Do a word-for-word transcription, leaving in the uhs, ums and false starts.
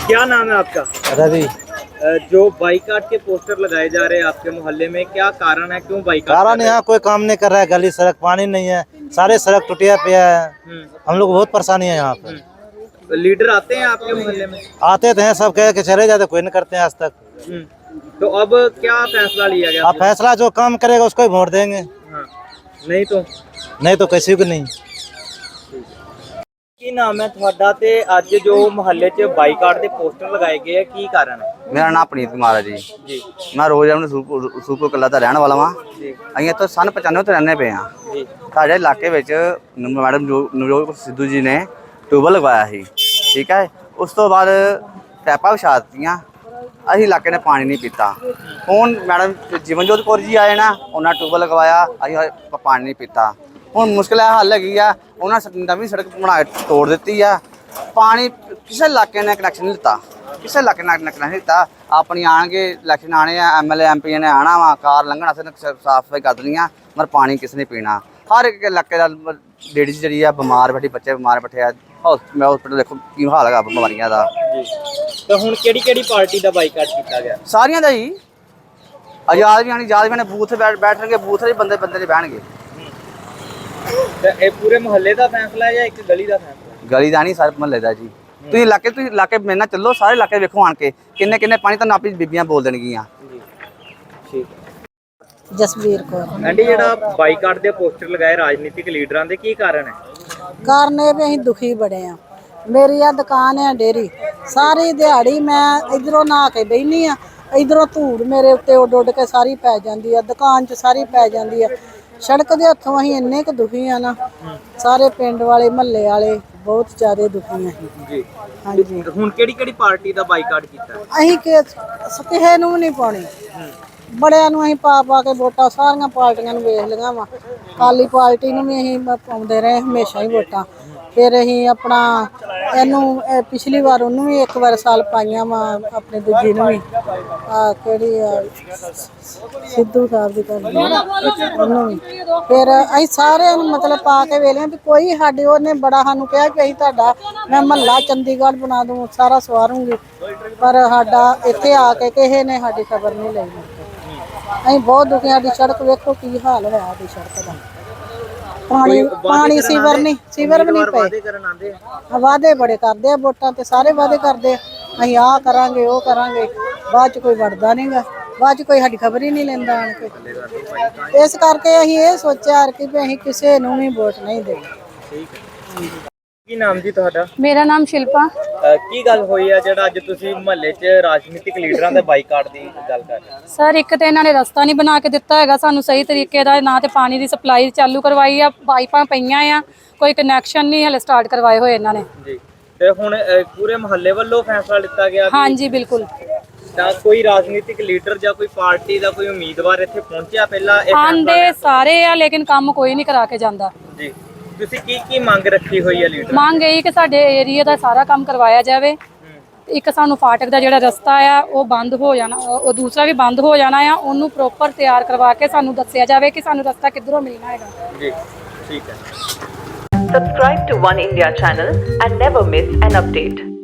क्या नाम है आपका? रवि। जो बाइकाट के पोस्टर लगाए जा रहे हैं आपके मोहल्ले में, क्या कारण है, क्यों बाइकाट? कारण यहाँ कोई काम नहीं कर रहा है, गली सड़क पानी नहीं है, सारे सड़क टूटिया पे है, हम लोग बहुत परेशानी है यहाँ पे। लीडर आते हैं आपके मोहल्ले में? आते थे सब कह के चले जाते, कोई नहीं करते हैं आज तक। तो अब क्या फैसला लिया गया? अब फैसला जो काम करेगा उसको ही वोट देंगे। हाँ। नहीं तो नहीं तो किसी को नहीं। ਕੀ ਨਾਮ ਹੈ ਤੁਹਾਡਾ ਤੇ ਅੱਜ ਜੋ ਮੁਹੱਲੇ 'ਚ ਬਾਈਕਾਟ ਦੇ ਪੋਸਟਰ ਲਗਾਏ ਗਏ ਆ, ਕੀ ਕਾਰਨ ਹੈ? ਮੇਰਾ ਨਾਮ ਪ੍ਰੀਤ ਕੁਮਾਰ ਹੈ ਜੀ। ਜੀ ਮੈਂ ਰੋਜ਼ ਆਪਣੇ ਸੂਪੁਰ ਕਲਾ ਦਾ ਰਹਿਣ ਵਾਲਾ ਵਾਂ। ਜੀ ਅਸੀਂ ਇੱਥੋਂ ਸਨ ਪਚਾਨਵੇਂ ਤੋਂ ਰਹਿੰਦੇ ਪਏ ਹਾਂ। ਜੀ ਸਾਡੇ ਇਲਾਕੇ ਵਿੱਚ ਮੈਡਮ ਨਵਜੋਤ ਸਿੱਧੂ ਜੀ ਨੇ ਟਿਊਬਲ ਲਗਵਾਇਆ ਸੀ, ਠੀਕ ਹੈ। ਉਸ ਤੋਂ ਬਾਅਦ ਪੈਪਾਂ ਵਿਛਾ ਦਿੱਤੀਆਂ, ਅਸੀਂ ਇਲਾਕੇ ਨੇ ਪਾਣੀ ਨਹੀਂ ਪੀਤਾ। ਹੁਣ ਮੈਡਮ ਜੀਵਨਜੋਤ ਕੌਰ ਜੀ ਆਏ ਨਾ, ਉਹਨਾਂ ਟਿਊਬਲ ਲਗਵਾਇਆ, ਅਸੀਂ ਪਾਣੀ ਨਹੀਂ ਪੀਤਾ। ਹੁਣ ਮੁਸ਼ਕਿਲ ਹੈ ਹੱਲ ਹੈਗੀ ਆ, ਉਹਨਾਂ ਨਵੀਂ ਸੜਕ ਬਣਾ ਕੇ ਤੋੜ ਦਿੱਤੀ ਆ। ਪਾਣੀ ਕਿਸੇ ਇਲਾਕੇ ਨੇ ਕਨੈਕਸ਼ਨ ਨਹੀਂ ਦਿੱਤਾ, ਕਿਸੇ ਇਲਾਕੇ ਨੇ ਕਨੈਕਸ਼ਨ ਨਹੀਂ ਦਿੱਤਾ। ਆਪਣੀ ਆਣਗੇ ਇਲੈਕਸ਼ਨ ਆਣੇ ਆ, M L A M P ਨੇ ਆਉਣਾ ਵਾ, ਕਾਰ ਲੰਘਣ ਵਾਸਤੇ ਸਾਫ਼ ਸਫਾਈ ਕਰ ਦੇਣੀਆਂ, ਮਰ ਪਾਣੀ ਕਿਸ ਨੇ ਪੀਣਾ। ਹਰ ਇੱਕ ਇਲਾਕੇ ਦਾ ਲੇਡੀਜ਼ ਜਿਹੜੀ ਆ ਬਿਮਾਰ ਬੈਠੀ, ਬੱਚੇ ਬਿਮਾਰ ਬੈਠੇ ਆ। ਹਸਪੀਟਲ ਦੇਖੋ ਕੀ ਹਾਲ ਹੈਗਾ ਬਿਮਾਰੀਆਂ ਦਾ। ਤਾਂ ਹੁਣ ਕਿਹੜੀ ਕਿਹੜੀ ਪਾਰਟੀ ਦਾ ਬਾਈਕਾਟ ਕੀਤਾ ਗਿਆ? ਸਾਰੀਆਂ ਦਾ ਹੀ ਆਜ਼ਾਦ ਵੀ ਆਣੀ, ਆਜ਼ਾਦ ਵੀ ਨੇ ਬੂਥ ਬੈਠਣਗੇ, ਬੂਥ ਦੇ ਬੰਦੇ ਬੰਦੇ ਨਹੀਂ ਬਹਿਣਗੇ। ਤੇ ਇਹ ਪੂਰੇ ਮੁਹੱਲੇ ਦਾ ਫੈਸਲਾ ਹੈ ਜਾਂ ਇੱਕ ਗਲੀ ਦਾ ਫੈਸਲਾ? ਗਲੀ ਦਾ ਨਹੀਂ, ਸਾਰੇ ਮਹੱਲੇ ਦਾ ਜੀ। ਤੁਸੀਂ ਇਲਾਕੇ ਤੁਸੀਂ ਇਲਾਕੇ ਮੇਰੇ ਨਾਲ ਚੱਲੋ, ਸਾਰੇ ਇਲਾਕੇ ਵੇਖੋ ਆਣ ਕੇ ਕਿੰਨੇ ਕਿੰਨੇ ਪਾਣੀ ਤੁਹਾਨੂੰ ਆਪਣੀ ਬੀਬੀਆਂ ਬੋਲ ਦੇਣਗੀਆਂ। ਜੀ ਠੀਕ। ਜਸਵੀਰ ਕੌਰ। ਆਂਟੀ, ਜਿਹੜਾ ਬਾਈਕਾਟ ਦੇ ਪੋਸਟਰ ਲਗਾਏ ਰਾਜਨੀਤਿਕ ਲੀਡਰਾਂ ਦੇ, ਕੀ ਕਾਰਨ ਹੈ? ਕਾਰਨ ਇਹ ਵੀ ਅਸੀਂ ਦੁਖੀ ਬੜੇ ਆ। ਮੇਰੀ ਆ ਦੁਕਾਨ ਆ ਡੇਰੀ, ਸਾਰੀ ਦਿਹਾੜੀ ਮੈਂ ਇਧਰੋਂ ਨਹਾ ਕੇ ਬਹਿਨੀ ਆ, ਇਧਰੋਂ ਧੂੜ ਮੇਰੇ ਉੱਤੇ ਉੱਡ ਉੱਡ ਕੇ ਸਾਰੀ ਪੈ ਜਾਂਦੀ ਆ, ਦੁਕਾਨ 'ਚ ਸਾਰੀ ਪੈ ਜਾਂਦੀ ਆ। ਸੜਕ ਦੇ ਹੱਥੋਂ ਅਸੀਂ ਇੰਨੇ ਕੁ ਦੁਖੀ ਆ ਨਾ, ਸਾਰੇ ਪਿੰਡ ਵਾਲੇ ਮਹੱਲੇ ਵਾਲੇ ਬਹੁਤ ਜ਼ਿਆਦਾ ਦੁਖੀ ਆ ਜੀ। ਹਾਂਜੀ। ਹੁਣ ਕਿਹੜੀ ਕਿਹੜੀ ਪਾਰਟੀ ਦਾ ਬਾਈਕਾਟ ਕੀਤਾ? ਅਸੀਂ ਕਿ ਕਿਸੇ ਨੂੰ ਵੀ ਨਹੀਂ ਪਾਉਣੀ, ਬੜਿਆਂ ਨੂੰ ਅਸੀਂ ਪਾ ਪਾ ਕੇ ਵੋਟਾਂ ਸਾਰੀਆਂ ਪਾਰਟੀਆਂ ਨੂੰ ਵੇਖ ਲਈਆਂ ਵਾ। ਅਕਾਲੀ ਪਾਰਟੀ ਨੂੰ ਵੀ ਅਸੀਂ ਪਾਉਂਦੇ ਰਹੇ ਹਮੇਸ਼ਾ ਹੀ ਵੋਟਾਂ। ਫਿਰ ਅਸੀਂ ਆਪਣਾ ਇਹਨੂੰ ਪਿਛਲੀ ਵਾਰ ਉਹਨੂੰ ਵੀ ਇੱਕ ਵਾਰ ਸਾਲ ਪਾਈਆਂ ਵਾ, ਆਪਣੇ ਦੂਜੀ ਨੂੰ ਵੀ ਆ ਕਿਹੜੀ ਆ ਸਿੱਧੂ ਸਾਹਿਬ ਦੀ ਕਰਦੀ ਉਹਨੂੰ ਵੀ। ਫਿਰ ਅਸੀਂ ਸਾਰਿਆਂ ਨੂੰ ਮਤਲਬ ਪਾ ਕੇ ਵੇਖ ਲਿਆ ਵੀ ਕੋਈ ਸਾਡੇ ਉਹਨੇ ਬੜਾ ਸਾਨੂੰ ਕਿਹਾ ਕਿ ਅਸੀਂ ਤੁਹਾਡਾ ਮੈਂ ਮਹੱਲਾ ਚੰਡੀਗੜ੍ਹ ਬਣਾ ਦੂੰ, ਸਾਰਾ ਸਵਾਰੂੰਗੀ, ਪਰ ਸਾਡਾ ਇੱਥੇ ਆ ਕੇ ਕਿਸੇ ਨੇ ਸਾਡੀ ਖਬਰ ਨਹੀਂ ਲਈ। ਅਸੀਂ ਬਹੁਤ ਦੁਖੀ, ਸਾਡੀ ਸੜਕ ਵੇਖੋ ਕੀ ਹਾਲ ਹੋਇਆ ਸਾਡੀ ਸੜਕ ਦਾ। ਪਾਣੀ ਪਾਣੀ ਸੀਵਰ ਨਹੀਂ, ਸੀਵਰ ਵੀ ਨਹੀਂ ਪਏ। ਵਾਅਦੇ ਬੜੇ ਕਰਦੇ ਆ, ਵੋਟਾਂ ਤੇ ਸਾਰੇ ਵਾਅਦੇ ਕਰਦੇ ਆ, ਅਸੀਂ ਆਹ ਕਰਾਂਗੇ ਉਹ ਕਰਾਂਗੇ, ਬਾਅਦ ਚ ਕੋਈ ਵੜਦਾ ਨਹੀਂਗਾ, ਬਾਅਦ ਚ ਕੋਈ ਸਾਡੀ ਖਬਰ ਹੀ ਨਹੀਂ ਲੈਂਦਾ ਆਣ ਕੇ। ਇਸ ਕਰਕੇ ਅਸੀਂ ਇਹ ਸੋਚਿਆ ਕਿ ਵੀ ਅਸੀਂ ਕਿਸੇ ਨੂੰ ਵੀ ਵੋਟ ਨਹੀਂ ਦੇਣੀ। ਕੀ ਨਾਮ ਜੀ ਤੁਹਾਡਾ? ਮੇਰਾ ਨਾਮ ਸ਼ਿਲਪਾ। ਕੀ ਗੱਲ ਹੋਈ ਆ ਜਿਹੜਾ ਅੱਜ ਤੁਸੀਂ ਮੁਹੱਲੇ 'ਚ ਰਾਜਨੀਤਿਕ ਲੀਡਰਾਂ ਦੇ ਬਾਈਕਾਟ ਦੀ ਗੱਲ ਕਰ ਰਹੇ ਹੋ? ਸਰ, ਇੱਕ ਤੇ ਇਹਨਾਂ ਨੇ ਰਸਤਾ ਨਹੀਂ ਬਣਾ ਕੇ ਦਿੱਤਾ ਹੈਗਾ ਸਾਨੂੰ ਸਹੀ ਤਰੀਕੇ ਦਾ, ਨਾ ਤੇ ਪਾਣੀ ਦੀ ਸਪਲਾਈ ਚਾਲੂ ਕਰਵਾਈ ਆ, ਪਾਈਪਾਂ ਪਈਆਂ ਆ, ਕੋਈ ਕਨੈਕਸ਼ਨ ਨਹੀਂ ਹਲੇ ਸਟਾਰਟ ਕਰਵਾਏ ਹੋਏ ਇਹਨਾਂ ਨੇ। ਜੀ। ਤੇ ਹੁਣ ਪੂਰੇ ਮੁਹੱਲੇ ਵੱਲੋਂ ਫੈਸਲਾ ਲਿੱਤਾ ਗਿਆ? ਹਾਂਜੀ ਬਿਲਕੁਲ। ਤਾਂ ਕੋਈ ਰਾਜਨੀਤਿਕ ਲੀਡਰ ਜਾਂ ਕੋਈ ਪਾਰਟੀ ਦਾ ਕੋਈ ਉਮੀਦਵਾਰ ਇੱਥੇ ਪਹੁੰਚਿਆ ਪਹਿਲਾਂ? ਆਂਦੇ ਸਾਰੇ ਆ ਲੇਕਿਨ ਕੰਮ ਕੋਈ ਨਹੀਂ ਕਰਾ ਕੇ ਜਾਂਦਾ। ਜੀ। ਤੁਸੀਂ ਕੀ ਕੀ ਮੰਗ ਰੱਖੀ ਹੋਈ ਹੈ ਲੀਡਰ? ਮੰਗ ਇਹੀ ਕਿ ਸਾਡੇ ਏਰੀਆ ਦਾ ਸਾਰਾ ਕੰਮ ਕਰਵਾਇਆ ਜਾਵੇ। ਇੱਕ ਸਾਨੂੰ ਫਾਟਕ ਦਾ ਜਿਹੜਾ ਰਸਤਾ ਆ ਉਹ ਬੰਦ ਹੋ ਜਾਣਾ, ਉਹ ਦੂਸਰਾ ਵੀ ਬੰਦ ਹੋ ਜਾਣਾ ਆ, ਉਹਨੂੰ ਪ੍ਰੋਪਰ ਤਿਆਰ ਕਰਵਾ ਕੇ ਸਾਨੂੰ ਦੱਸਿਆ ਜਾਵੇ ਕਿ ਸਾਨੂੰ ਰਸਤਾ ਕਿੱਧਰੋਂ ਮਿਲਣਾ ਹੈਗਾ। ਜੀ ਠੀਕ ਹੈ। Subscribe to One India channel and never miss an update.